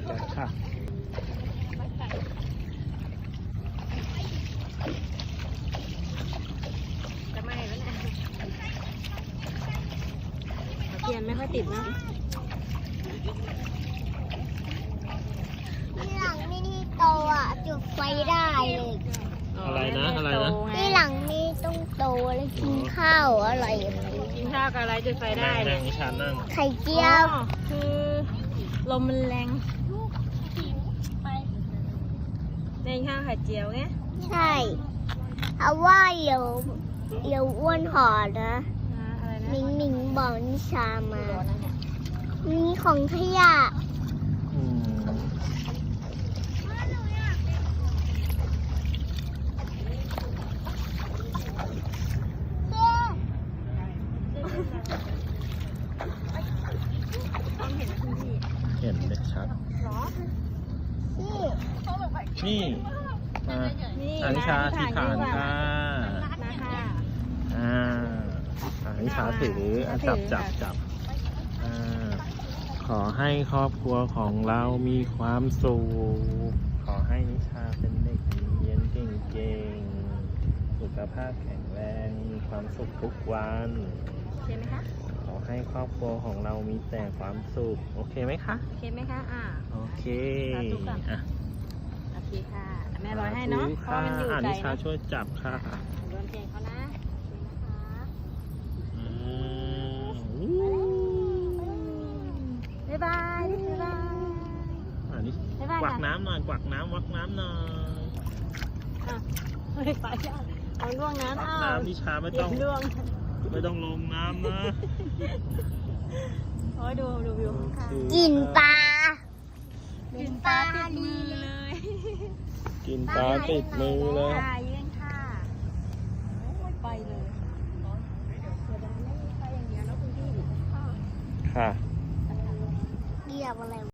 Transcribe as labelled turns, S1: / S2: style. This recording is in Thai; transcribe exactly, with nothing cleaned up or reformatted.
S1: จัดค่ะ
S2: จะไหม้แล้วเนี่ยเทียนไม่ค่อยติดนะ
S3: ที่หลังไม่นี่โตอ่ะจุดไฟได้เลย
S1: อะไรนะอะไรนะ
S3: ที่หลังนี่ต้องโตแล้วกินข้าวอร่อย
S2: กินข้าวกับอะไรจุดไฟได้
S1: นั่ง
S2: เนี่
S1: นั่
S2: ย
S1: งนิชานั่ง
S3: ไข่เจียว
S2: อ๋อคือลมมันแรงในข้าวไข่เจียวไง
S3: ใช่เอาว่าเดี๋ยวเดี๋ยวอ้วนหอนะ
S2: อะไรนะ
S3: มิงมิงบอกนิชามามีของขยะ
S1: อืมเห็นเด็กชัด
S2: หรอ
S3: นี่
S1: นี่มา
S2: นี่
S1: อานิชาที่ฐานค่ะ
S2: มาค่ะ
S1: อ่าอานิชาถืออ่ะจับจับจับอ่าขอให้ครอบครัวของเรามีความสุขขอให้นิชาเป็นเด็กดีเรียนเก่งๆสุขภาพแข็งแรงมีความสุขทุกวัน
S2: โอเคไหมคะ
S1: ขอให้ครอบครัวของเรามีแต่ความสุขโอเคไหมคะ
S2: โอเคไหมคะอ่า
S1: โอเค
S2: สาธุค่ะ
S1: อ่ะ
S2: โอเคค่ะแม่ร้อยให้เนาะเพราะว่ามันอยู่
S1: อ่า
S2: ไกล
S1: นิชา
S2: เนาะ
S1: ช่วยจับค่ะ
S2: โดนเพลงเขานะ
S1: อืม
S2: บ๊ายบายบ๊ายบาย
S1: อ่านี่
S2: บ๊ายบาย
S1: กวัก
S2: ค่ะ
S1: น้ำหน่อยกวักน้ำวักน้ำหน่อย
S2: อ่ะเฮ้ยไปอ่ะเอาล่วงน้ำ
S1: วัก
S2: อ้าว
S1: น้ำนิชาไม่ต้อง
S2: ล่วง
S1: ไม่ต้องลงน้ำนะ
S2: โอ้ยดูดูวิวค่ะ
S3: กินปลา
S2: กินปลาติดมือเลย
S1: กินปลาติดมือเลย
S2: ค่ะยืนค่ะโอ้ยไปเลยเดี๋ยวได้ไม่ไปอย่างเดียวนะคุณพี่
S1: ค่ะ
S3: เกี่ยวอะไร